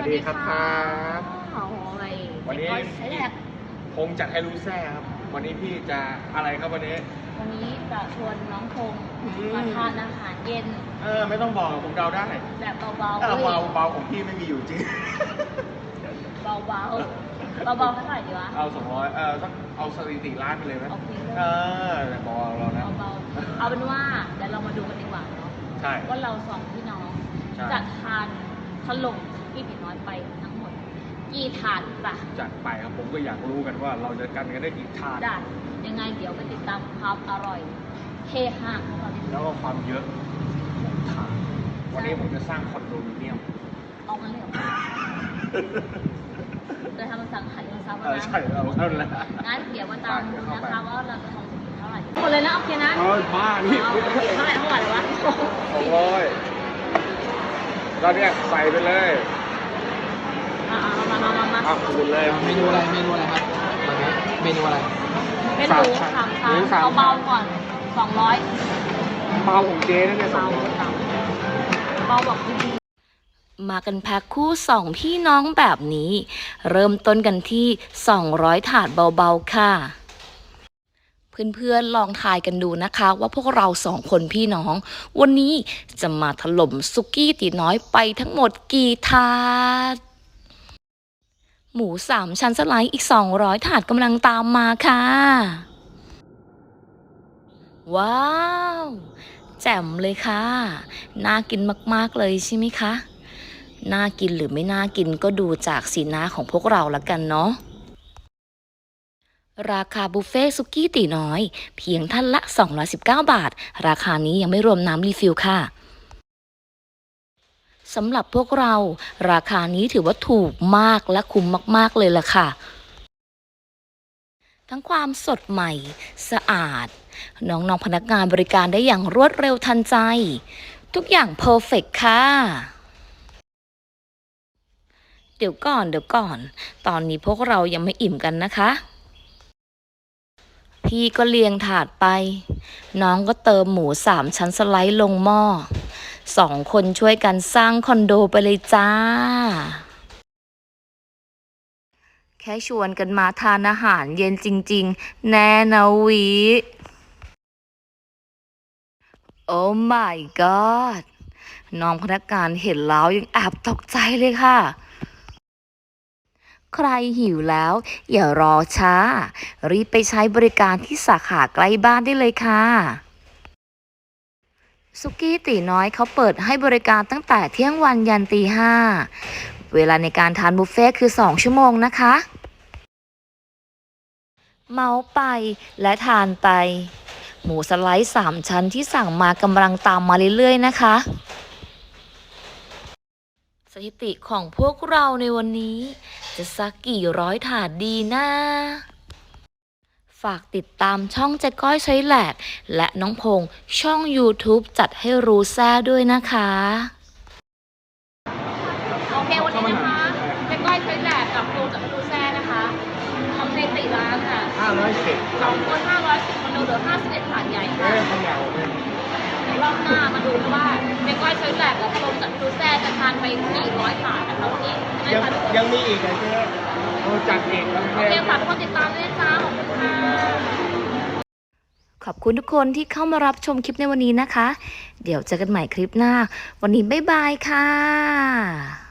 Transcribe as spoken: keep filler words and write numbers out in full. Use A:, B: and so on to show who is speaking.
A: ดีครับครับ
B: โอ้ย
A: วันนี้
B: ใช้แรก
A: คงจัดให้รู้แซ่ครับวันนี้พี่จะอะไรครับวันนี้
B: วันนี้จะชวนน้องพงมาทานอาหารเย็น
A: เออไม่ต้องบอกผมเดาได้
B: แบบเบาๆ
A: เออเบาเบาของพี่ไม่มีอยู่จริง
B: เบาเบาเบาๆเท่าไหร่ดีวะ
A: เอาสองร้อยเออสักเอาสถิติล้านไปเลยไหม
B: โอเค
A: เออแต่บอกเรานะ
B: เบาๆเอาเป็นว่าเดี๋ยวเรามาดูกันดีกว่าเนาะ
A: ใช่
B: ว่าเราสองพี่น้องจะทานถล่มพี่ตีน้อยไปทั้งหมดกี่ถาดจ้ะ
A: จัดไปครับผมก็อยากรู้กันว่าเราจะกันกันได้กี่ถาด
B: ได้ยังไงเดี๋ยวไปติดตามความอร่อยเฮฮาของเราดี
A: แล้วก็ความเยอะของถาดวันนี้ผมจะสร้างคอนโดมิเนียม
B: เอางั้นเลยเหรอจะทำมันสั่งขายเงินซับนะ
A: ใช่เราเท่านั้น
B: งั้นเดี๋ยวมาตามดูนะคะว่าเราจะทำถึงเท่าไหร่หมดเลยนะโอเคนะ
A: เออบ้านี่
B: เท่าไหร่เท่าไหร่เลยวะ
A: สองร้อยแล้วเนี่ยใส่ไปเลย
B: อ่ามามามามา
A: อ่ะคูณเลย
C: เมนูอะไรเมนูอะไรครับเมนูอะไร
B: เมนูสามชั้นเอาเบาก่อนสองร้อย
A: เบาของเจ๊นั่นเนี่ยสองร้อย
B: เบาบอกดี
D: มากันแพ็คคู่สองพี่น้องแบบนี้เริ่มต้นกันที่สองร้อยถาดเบาๆค่ะเพื่อนๆลองทายกันดูนะคะว่าพวกเราสองคนพี่น้องวันนี้จะมาถล่มสุกี้ตีน้อยไปทั้งหมดกี่ถาดหมูสามชั้นสไลด์อีกสองร้อยถาดกำลังตามมาค่ะว้าวแจ่มเลยค่ะน่ากินมากๆเลยใช่ไหมคะน่ากินหรือไม่น่ากินก็ดูจากสีหน้าของพวกเราละกันเนาะราคาบุฟเฟ่ซุกี้ตีน้อยเพียงท่านละสองร้อยสิบเก้าบาทราคานี้ยังไม่รวมน้ำรีฟิลค่ะสำหรับพวกเราราคานี้ถือว่าถูกมากและคุ้มมากๆเลยล่ะค่ะทั้งความสดใหม่สะอาดน้องๆพนักงานบริการได้อย่างรวดเร็วทันใจทุกอย่างเพอร์เฟกต์ค่ะเดี๋ยวก่อนเดี๋ยวก่อนตอนนี้พวกเรายังไม่อิ่มกันนะคะพี่ก็เลียงถาดไปน้องก็เติมหมูสามชั้นสไลด์ลงหม้อสองคนช่วยกันสร้างคอนโดไปเลยจ้าแค่ชวนกันมาทานอาหารเย็นจริงๆแน่นะวิโอ้ my god น้องพนักงานเห็นแล้วยังแอบตกใจเลยค่ะใครหิวแล้วอย่ารอช้ารีบไปใช้บริการที่สาขาใกล้บ้านได้เลยค่ะสุกี้ตีน้อยเขาเปิดให้บริการตั้งแต่เที่ยงวันยันตีห้าเวลาในการทานบุฟเฟ่คือสองชั่วโมงนะคะเมาไปและทานไปหมูสไลด์สามชั้นที่สั่งมากำลังตามมาเรื่อยๆนะคะสถิติของพวกเราในวันนี้จะสักกี่ร้อยถาดดีนะฝากติดตามช่องเจ๊ก้อยใช้แหลกและน้องพงช่อง YouTube จัดให้รู้แซ่ด้วยนะคะ
B: โอเควันนี้นะคะเจ๊ก้อยใช้แหลกกับโปรจากรู้แซ่นะคะทำสถิติร้านค่ะ
A: ห้าร้อยสิบ
B: สองคนห้าร้อยสิบคนดูเหลือห้าสิบเอ็ดถาดใหญ่ค่ะรอบหน้ามาดูว่าเจ๊ก้อยใช้แหลกกับโปรจากรู้แซ่จะทานไปกี่ร้อยถาดนะคะวันนี้
A: ยังยังมีอีกนะเจ๊โอ้จัดเองโอ
B: เคฝากทุกคนติดตามด้วยจ้าขอบคุณค่ะ
D: ขอบคุณทุกคนที่เข้ามารับชมคลิปในวันนี้นะคะเดี๋ยวเจอกันใหม่คลิปหน้าวันนี้บ๊ายบายค่ะ